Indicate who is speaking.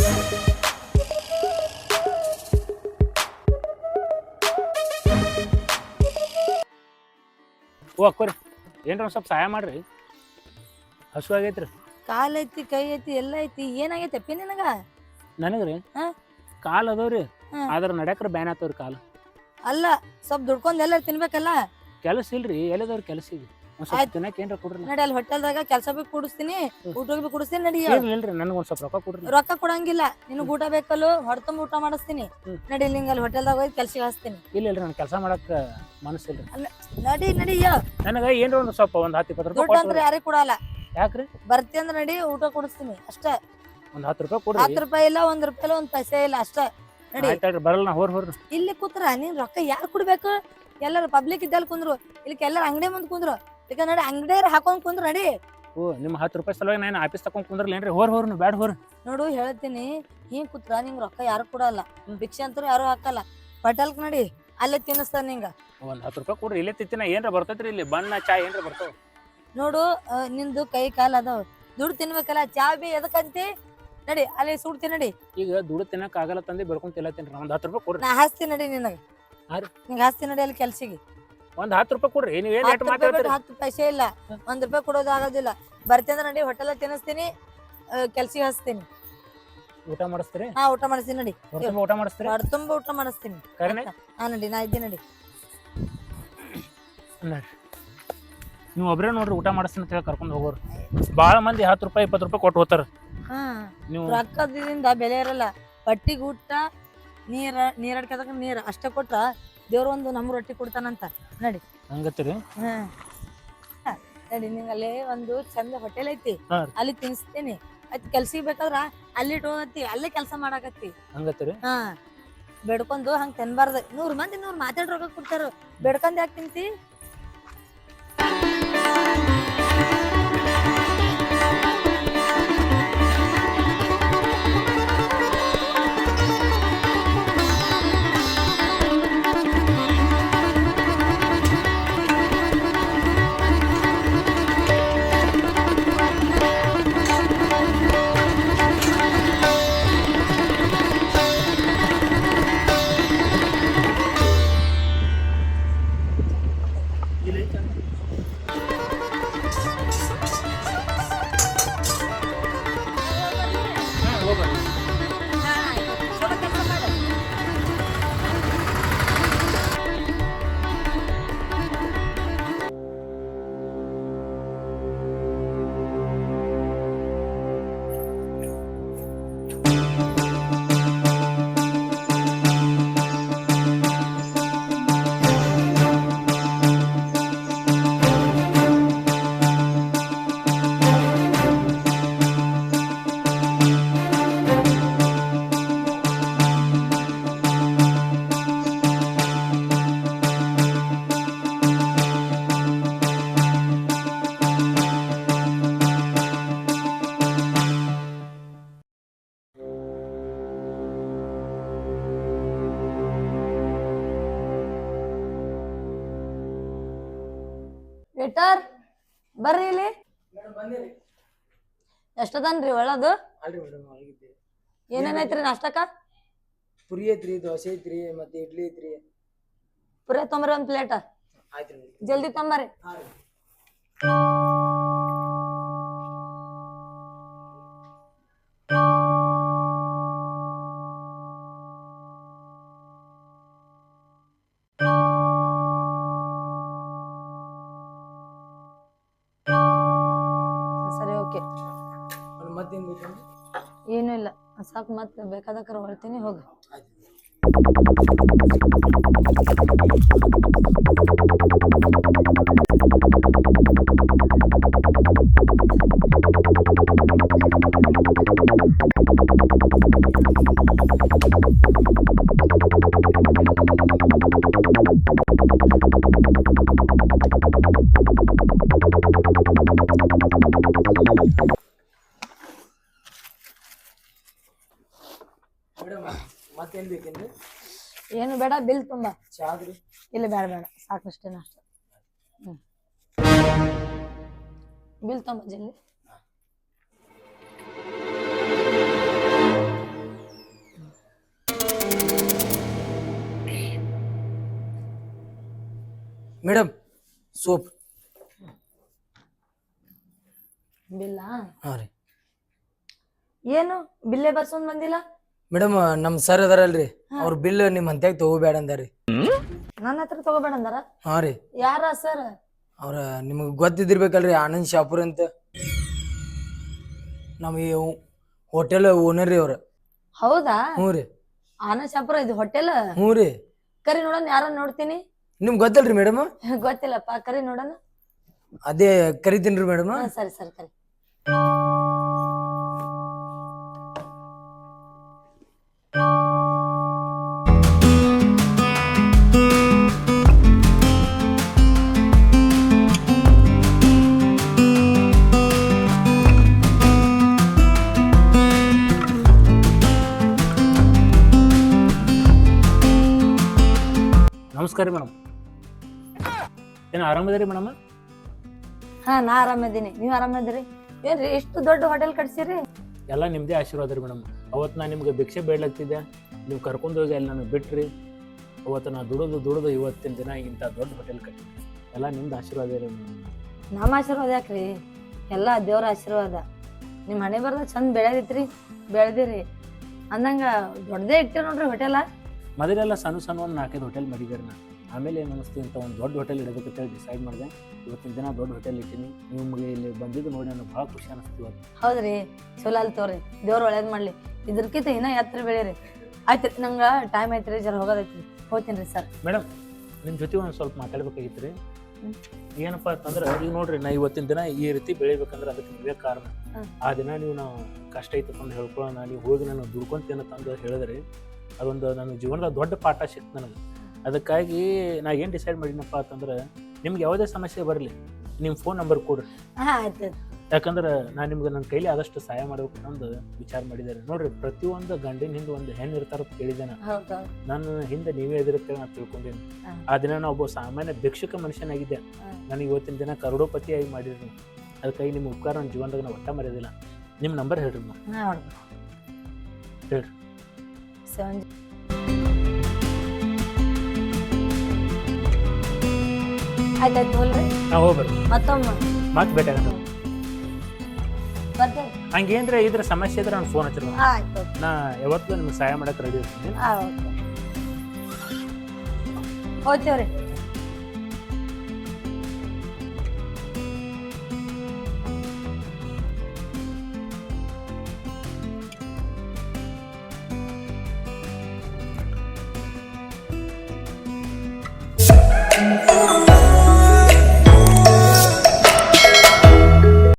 Speaker 1: ಓ ಅಕ್ಕೋರಿ ಏನ್ರ ಒಂದ್ ಸ್ವಲ್ಪ ಸಹಾಯ ಮಾಡ್ರಿ, ಹಸು ಆಗೈತ್ರಿ.
Speaker 2: ಕಾಲ್ ಐತಿ ಕೈ ಐತಿ ಎಲ್ಲ ಐತಿ, ಏನಾಗೈತಿ ಅಪ್ಪಿ ನಿನಗ?
Speaker 1: ನನಗ್ರಿ
Speaker 2: ಹಾ?
Speaker 1: ಕಾಲ್ ಅದಾವ್ರಿ,
Speaker 2: ಹಾ.
Speaker 1: ಆದ್ರ ನಡ್ಯಾಕ್ರ ಬ್ಯಾನ್ ಆತವ್ರಿ ಕಾಲು.
Speaker 2: ಅಲ್ಲ ಸ್ವಲ್ಪ ದುಡ್ಕೊಂಡ್ ಎಲ್ಲ ತಿನ್ಬೇಕಲ್ಲ.
Speaker 1: ಕೆಲಸ ಇಲ್ರಿ, ಎಲ್ಲದವ್ರ ಕೆಲಸ ಈಗ ಒಂದ್ ಸ್ವಲ್ಪ
Speaker 2: ಆಯ್ತ್.
Speaker 1: ತಿನ್ನಕ್ ಏನ್ರ ಕೊಡ್ರಿ.
Speaker 2: ನಡಿ ಅಲ್ಲಿ ಹೋಟೆಲ್ದಾಗ ಕೆಲಸ ಬಿ ಕೂಡಿಸ್ತೀನಿ, ಊಟ ಬಿ ಕೂಡಿಸ್ತೀನಿ. ನಡಿ
Speaker 1: ಇಲ್ರಿ ನನಗ್ ಒಂದ್ ಸ್ವಲ್ಪ ರೊಕ್ಕ ಕೊಡ್ರಿ.
Speaker 2: ರೊಕ್ಕ ಕೊಡಂಗಿಲ್ಲ, ನಿನಗ್ ಊಟ ಬೇಕಲ್ಲ, ಹೊಡ್ತಂಬ ಊಟ ಮಾಡಿಸ್ತೀನಿ. ನಡಿ ನಿಂಗ ಅಲ್ಲಿ ಹೋಟೆಲ್ದಾಗ ಹೋಗಿ ಕೆಲ್ಸಿಗೆ ಹಚ್ತೀನಿ.
Speaker 1: ಇಲ್ರಿ ನನ್ ಕೆಲಸ ಮಾಡಕ್ ಮನಸ್ಸಿಲ್ರಿ.
Speaker 2: ನಡಿ ನಡಿ
Speaker 1: ನನಗ ಏನ್ರ ಒಂದ್ ಸ್ವಲ್ಪ ಒಂದ್ 10-20 ರೂಪಾಯಿ
Speaker 2: ದುಡ್ಡು ಅಂದ್ರೆ ಯಾರಿಗ್ ಕೊಡಲ್ಲ.
Speaker 1: ಯಾಕ್ರಿ?
Speaker 2: ಬರ್ತಿ ಅಂದ್ರ ನಡಿ, ಊಟ ಕೊಡಿಸ್ತೀನಿ ಅಷ್ಟ.
Speaker 1: ಒಂದ್ 10 ರೂಪಾಯಿ ಕೊಡ್ರಿ.
Speaker 2: 10 ರೂಪಾಯಿ ಇಲ್ಲ, 1 ರೂಪಾಯಿ ಇಲ್ಲ, 1 ಪೈಸೆ ಇಲ್ಲ ಅಷ್ಟ. ನಡಿ.
Speaker 1: ಆಯ್ತಾಳ್ರಿ, ಬರಲ್ಲ ನಾ ಹೋರ್ರಿ.
Speaker 2: ಇಲ್ಲಿ ಕೂತ್ರ ನೀನ್ ರೊಕ್ಕ ಯಾರು ಕೊಡ್ಬೇಕು? ಎಲ್ಲಾರು ಪಬ್ಲಿಕ್ ಇದ್ದಲ್ಲಿ ಕುಂದ್ರು, ಇಲ್ಲಿ ಎಲ್ಲಾರು ಅಂಗಡಿ ಮುಂದ್ ಕುಂದ್ರು. ಈಗ ನಡಿ ಅಂಗಡಿ ಹಾಕೊಂಡ್ ಕುಂದ್ರು. ನಡಿ.
Speaker 1: ಓ ನಿಮ್ 10 ರೂಪಾಯಿ ಸಲುವಾಗಿ ನಾನು ಆಫೀಸ್ ತಕೊಂಡ್ ಕುಂದ್ರಲ್ಲೇನ್ರಿ? ಹೋರ್ ನೀವು ಬ್ಯಾಡ ಹೋರ್.
Speaker 2: ನೋಡು ಹೇಳ್ತೀನಿ, ಹಿಂಗ್ ಕೂತ್ರ ನಿಂಗ್ ರೊಕ್ಕ ಯಾರು ಕೊಡಲ್ಲ, ಭಿಕ್ಷೆ ಅಂತೂ ಯಾರು ಹಾಕಲ್ಲ. ಹೋಟೆಲ್ಕ್ ನಡಿ, ಅಲ್ಲೇ ತಿನ್ನಿಸ್ತಾರ ನಿಂಗ.
Speaker 1: ಒಂದ್ 10 ರೂಪಾಯಿ ಕೊಡ್ರಿ, ಇಲ್ಲೇ ತಿಂತಿನ. ಏನ್ರ ಬರ್ತೈತ್ರಿ ಇಲ್ಲಿ ಬಣ್ಣ ಚಾ ಏನ್ರ ಬರ್ತಾವ.
Speaker 2: ನೋಡು ನಿಂದು ಕೈ ಕಾಲ್ ಅದಾವ, ದುಡ್ಡು ತಿನ್ಬೇಕಲ್ಲ. ಚಾ ಬಿ ಎದಕ್ಕಂತಿ? ನಡಿ ಅಲ್ಲಿ ಸುಡ್ತೀನಿ. ನಡಿ.
Speaker 1: ಈಗ ದುಡ್ಡು ತಿನ್ನಕ್ ಆಗಲ್ಲ ತಂದಿ ಬೆಳ್ಕೊಂಡ್ ತಿನ್ನತ್ತೀನಿ. ಒಂದ್ 10 ರೂಪಾಯಿ ಕೊಡ್ರಿ.
Speaker 2: ನಾ ಹಾಸ್ತೀನಿ ನಡಿ ನಿನಗ. ನಿಂಗ ಹಾಸ್ತೀನಿ ನಡಿ ಅಲ್ಲಿ ಕೆಲ್ಸಿಗೆ.
Speaker 1: ಒಂದ್ 10 ರೂಪಾಯಿ ಕೊಡ್ರಿ. ನೀವೇನ್ ರೇಟ್ ಮಾತಾಡ್ತೀರಿ?
Speaker 2: 10 ಪೈಸೆ ಇಲ್ಲ, 1 ರೂಪಾಯಿ ಕೊಡೋದು ಆಗೋದಿಲ್ಲ. ಬರ್ತೀನಿ ನಡಿ, ಹೋಟೆಲ್ ತಿನ್ನಿಸ್ತೀನಿ, ಕೆಲ್ಸಿಗೆ ಹಚ್ತೀನಿ.
Speaker 1: ಊಟ ಮಾಡಿಸ್ತೀರಿ?
Speaker 2: ಹಾ, ಊಟ ಮಾಡಿಸ್ತೀನಿ. ನಡಿ,
Speaker 1: ಊಟ ಮಾಡಿಸ್ತೀರಿ?
Speaker 2: ತುಂಬ ಊಟ ಮಾಡಿಸ್ತೀನಿ. ಹಾ ನಡಿ, ನಾ ಇದ್ದೀನಿ. ನಡಿ.
Speaker 1: ನೀವು ಒಬ್ರೇ ನೋಡ್ರಿ ಊಟ ಮಾಡಿಸ್ತೀನಿ ಅಂತ ಹೇಳಿ ಕರ್ಕೊಂಡು ಹೋಗೋರು. ಬಾಳ ಮಂದಿ 10 ರೂಪಾಯಿ 20 ರೂಪಾಯಿ ಕೊಟ್ಟು ಹೋಗ್ತಾರ.
Speaker 2: ನೀವು ರೊಕ್ಕದಿಂದ ಬೆಲೆ ಇರಲ್ಲ. ಬಟ್ಟಿಗೆ ಊಟ, ನೀರಡ್ಕದಕ ನೀರ್ ಅಷ್ಟ ಕೊಟ್ಟ ದೇವ್ರ ಒಂದು ನಮ್ ರೊಟ್ಟಿ ಕೊಡ್ತಾನಂತ. ನಡಿ.
Speaker 1: ಹಂಗತ್ತೀರಿ?
Speaker 2: ನಡಿ, ನಿಂಗಲ್ಲಿ ಒಂದು ಚಂದ ಹೋಟೆಲ್ ಐತಿ, ಅಲ್ಲಿ ತಿನ್ನಿಸ್ತೀನಿ. ಅದ್ ಕೆಲ್ಸಿಗೆ ಬೇಕಾದ್ರ ಅಲ್ಲಿ ಇಟ್ಕೋತಿ, ಅಲ್ಲೇ ಕೆಲಸ ಮಾಡಾಕತ್ತಿ.
Speaker 1: ಹಂಗತ್ತೀರಿ?
Speaker 2: ಹಾ, ಬೇಡ್ಕೊಂಡು ಹಂಗ ತಿನ್ಬಾರ್ದ. 100 ಮಂದಿ 100 ಮಾತಾಡ್ ರೊಕ್ಕ ಕೊಡ್ತಾರ, ಬೇಡ್ಕೊಂಡ್ ಯಾಕೆ ತಿಂತಿ? ವೇಟರ್ ಬರ್ರಿ ಇಲ್ಲಿ. ಎಷ್ಟದನ್ರಿ ಒಳದು? ಏನೇನೈತ್ರಿ ನಾಷ್ಟಕ್ಕ?
Speaker 3: ಪುರಿ ಐತ್ರಿ, ದೋಸೆ ಐತ್ರಿ, ಮತ್ತೆ ಇಡ್ಲಿ ಐತ್ರಿ.
Speaker 2: ಪುರಿ ತೊಂಬರಿ 1 ಪ್ಲೇಟ್. ಜಲ್ದಿ ತೊಂಬರಿ. ಸರಿ, ಓಕೆ. ಏನು ಇಲ್ಲ, ಸಾಕು. ಮತ್ತೆ ಬೇಕಾದಕ್ಕಾರ ಹೊಳ್ತೀನಿ, ಹೋಗಿ.
Speaker 3: ಮತ್ತೇನ್ ಬೇಕೇನ್ರಿ?
Speaker 2: ಏನು ಬೇಡ, ಬಿಲ್ ತುಂಬ.
Speaker 3: ಚಾದ್ರಿ?
Speaker 2: ಇಲ್ಲ, ಬೇಡ ಬೇಡ, ಸಾಕಷ್ಟೇ ನಾಷ್ಟ. ಬಿಲ್ ತುಂಬ ಜಲ್ದಿ.
Speaker 3: Madam soap.
Speaker 2: ಬಿಲ್ಲ
Speaker 3: ಹಾಂ ರೀ
Speaker 2: ಏನು ಬಿಲ್ಲೇ ಬರ್ಸೊಂಡ್ ಬಂದಿಲ್ಲ.
Speaker 3: ಮೇಡಮ್ ನಮ್ಮ ಸರ್ ಅದಾರಲ್ರಿ ಅವ್ರ ಬಿಲ್ ನಿಮ್ಮ ಹಂತ್ಯಾಗ ತಗೋಬೇಡ ಅಂದಾರಿ.
Speaker 2: ನನ್ನ ಹತ್ರ ತಗೋಬೇಡ ಅಂದಾರ.
Speaker 3: ಹಾಂ ರೀ
Speaker 2: ಯಾರ ಸರ್?
Speaker 3: ಅವ್ರ ನಿಮಗೆ ಗೊತ್ತಿದ್ದಿರ್ಬೇಕಲ್ರಿ ಆನಂದ್ ಶಾಪುರ್ ಅಂತ ನಮ್ಮ ಈ ಹೋಟೆಲ್ ಓನರ್ ರೀ ಅವ್ರ.
Speaker 2: ಹೌದಾ?
Speaker 3: ಹ್ಞೂ ರೀ.
Speaker 2: ಆನಂದ್ ಶಾಪುರ ಇದು ಹೋಟೆಲ್?
Speaker 3: ಹ್ಞೂ ರೀ.
Speaker 2: ಕರಿ ನೋಡೋಣ, ಯಾರ ನೋಡ್ತೀನಿ.
Speaker 3: ನಿಮ್ಗೆ ಗೊತ್ತಲ್ರಿ ಮೇಡಮ್?
Speaker 2: ಗೊತ್ತಿಲ್ಲಪ್ಪ, ಕರಿ ನೋಡೋಣ.
Speaker 3: ಅದೇ ಕರಿತೀನಿ ರೀ ಮೇಡಮ್.
Speaker 2: ಸರಿ ಸರಿ ಕರಿ.
Speaker 1: ನಮಸ್ಕಾರ ರೀ ಮೇಡಮ್. ಏನು ಆರಾಮದಿರಿ ಮೇಡಮ್?
Speaker 2: ಹಾ, ನಾ ಆರಾಮದೀನಿ. ನೀವ್ ಆರಾಮದಿರಿ? ಏನ್ರಿ ಇಷ್ಟು ದೊಡ್ಡ ಹೋಟೆಲ್ ಕಟ್ಸಿರಿ?
Speaker 1: ಎಲ್ಲ ನಿಮ್ಮದೇ ಆಶೀರ್ವಾದ ರೀ ಮೇಡಮ್. ಅವತ್ತು ನಾನು ನಿಮ್ಗೆ ಭಿಕ್ಷೆ ಬೇಡ್ಲಾಗ್ತಿದ್ದೆ, ನೀವು ಕರ್ಕೊಂಡು ಹೋಗಿ ಅಲ್ಲಿ ನನಗೆ ಬಿಟ್ರಿ. ಅವತ್ತು ನಾ ದುಡಿದು ಇವತ್ತಿನ ದಿನ ಇಂಥ ದೊಡ್ಡ ಹೋಟೆಲ್ ಕಟ್ಟಿ ಎಲ್ಲ ನಿಮ್ದು ಆಶೀರ್ವಾದ ರೀ ಮೇಡಮ್.
Speaker 2: ನಮ್ಮ ಆಶೀರ್ವಾದ ಯಾಕ್ರಿ? ಎಲ್ಲ ದೇವ್ರ ಆಶೀರ್ವಾದ. ನಿಮ್ಮ ಹಣೆ ಬರ್ದ ಚಂದ ಬೆಳೆದಿತ್ರಿ, ಬೆಳೆದಿರಿ ಅಂದಂಗ ದೊಡ್ಡದೇ ಇಟ್ಟಿರಿ ನೋಡ್ರಿ ಹೋಟೆಲ.
Speaker 1: ಮೊದಲೆಲ್ಲ ಸಣ್ಣ ಒಂದು 4-5 ಹೋಟೆಲ್ ಮಾಡಿದ್ದಾರೆ ನಾ. ಆಮೇಲೆ ಏನು ಅನಿಸ್ತು ಇಂಥ ಒಂದು ದೊಡ್ಡ ಹೋಟೆಲ್ ಇಡಬೇಕಂತೇಳಿ ಡಿಸೈಡ್ ಮಾಡಿದೆ. ಇವತ್ತಿನ ದಿನ ದೊಡ್ಡ ಹೋಟೆಲ್ ಇಟ್ಟೀನಿ. ನಿಮಗೆ ಇಲ್ಲಿ ಬಂದಿದ್ದು ನೋಡಿ ನನಗೆ ಭಾಳ ಖುಷಿ ಅನಿಸ್ತು ಇವತ್ತು.
Speaker 2: ಹೌದ್ರಿ, ಚಲೋ ಅಲ್ಲಿ ತೋರಿ, ದೇವ್ರು ಒಳ್ಳೇದ್ ಮಾಡ್ಲಿ. ಇದ್ರಕ್ಕಿಂತ ಇನ್ನೂ ಎತ್ತರ ಬೆಳೀರಿ. ಆಯ್ತು, ನಂಗೆ ಟೈಮ್ ಐತ್ರಿ, ಜರ ಹೋಗೋದೈತ್ರಿ, ಹೋಗ್ತೀನಿ ರೀ ಸರ್.
Speaker 1: ಮೇಡಮ್, ನಿಮ್ಮ ಜೊತೆ ಒಂದು ಸ್ವಲ್ಪ ಮಾತಾಡ್ಬೇಕಾಗಿತ್ತು ರೀ. ಏನಪ್ಪ ಅಂತಂದ್ರೆ ಈಗ ನೋಡ್ರಿ, ನಾ ಇವತ್ತಿನ ದಿನ ಈ ರೀತಿ ಬೆಳಿಬೇಕಂದ್ರೆ ಅದಕ್ಕೆ ನೀವೇ ಕಾರಣ. ಆ ದಿನ ನೀವು ನಾವು ಕಷ್ಟ ಐತಪ್ಪ ಅಂತ ಹೇಳ್ಕೊಳ್ಳೋಣ, ನೀವು ಹೋಗಿ ನಾನು ದುಡ್ಕೊಂತೇನೆ ತಂದು ಹೇಳಿದ್ರಿ. ಅದೊಂದು ನನ್ನ ಜೀವನದ ದೊಡ್ಡ ಪಾಠ ಸಿಕ್ತು ನನಗೆ. ಅದಕ್ಕಾಗಿ ನಾ ಏನು ಡಿಸೈಡ್ ಮಾಡಿನಪ್ಪ ಅಂತಂದ್ರೆ, ನಿಮ್ಗೆ ಯಾವುದೇ ಸಮಸ್ಯೆ ಬರಲಿ ನಿಮ್ಮ ಫೋನ್ ನಂಬರ್ ಕೊಡ್ರಿ.
Speaker 2: ಆಯ್ತು.
Speaker 1: ಯಾಕಂದ್ರೆ ನಾನು ನಿಮ್ಗೆ ನನ್ನ ಕೈಲಿ ಆದಷ್ಟು ಸಹಾಯ ಮಾಡ್ಬೇಕು ಅನ್ನೋದು ವಿಚಾರ ಮಾಡಿದ್ದಾರೆ. ನೋಡ್ರಿ, ಪ್ರತಿಯೊಂದು ಗಂಡಿನ ಹಿಂದೆ ಒಂದು ಹೆಣ್ಣು ಇರ್ತಾರಂತ ಕೇಳಿದ್ದೇನೆ. ನನ್ನ ಹಿಂದೆ ನೀವೇ ಎದುರುತ್ತೆ ನಾನು ತಿಳ್ಕೊಂಡೇನೆ. ಆ ದಿನ ನಾ ಒಬ್ಬ ಸಾಮಾನ್ಯ ಭಿಕ್ಷುಕ ಮನುಷ್ಯನಾಗಿದ್ದೆ. ನನಗೆ ಇವತ್ತಿನ ದಿನ ಕರೋಡಪತಿಯಾಗಿ ಮಾಡಿರಿ. ಅದಕ್ಕಾಗಿ ನಿಮ್ಮ ಉಪಕಾರ ನನ್ನ ಜೀವನದಾಗ ನಾವು ಒಟ್ಟ ಮರೆಯೋದಿಲ್ಲ. ನಿಮ್ಮ ನಂಬರ್ ಹೇಳ್ರಿ ಹೇಳ್ರಿ.
Speaker 2: ಆಯ್ತಾಯ್ತು, ಹೋಲ್ರಿ.
Speaker 1: ನಾವು ಹೋಗ್ಬರ್ರಿ,
Speaker 2: ಮತ್ತೊಮ್ಮೆ
Speaker 1: ಮತ್ತೆ ಭೇಟಿ ಆಗೋಣ.
Speaker 2: ಬರ್ತೇವೆ.
Speaker 1: ಹಂಗೇನ್ರ ಇದ್ರ ಸಮಸ್ಯೆ ಇದ್ರೆ ನಾನು ಫೋನ್ ಹಚ್ಚಿರ.
Speaker 2: ಆಯ್ತು,
Speaker 1: ನಾ ಯಾವತ್ತೂ ನಿಮ್ಗೆ ಸಹಾಯ ಮಾಡಕ್ಕೆ ರೆಡಿ ಇರ್ತೀನಿ.
Speaker 2: ಹೋಗ್ತೇವ್ರಿ.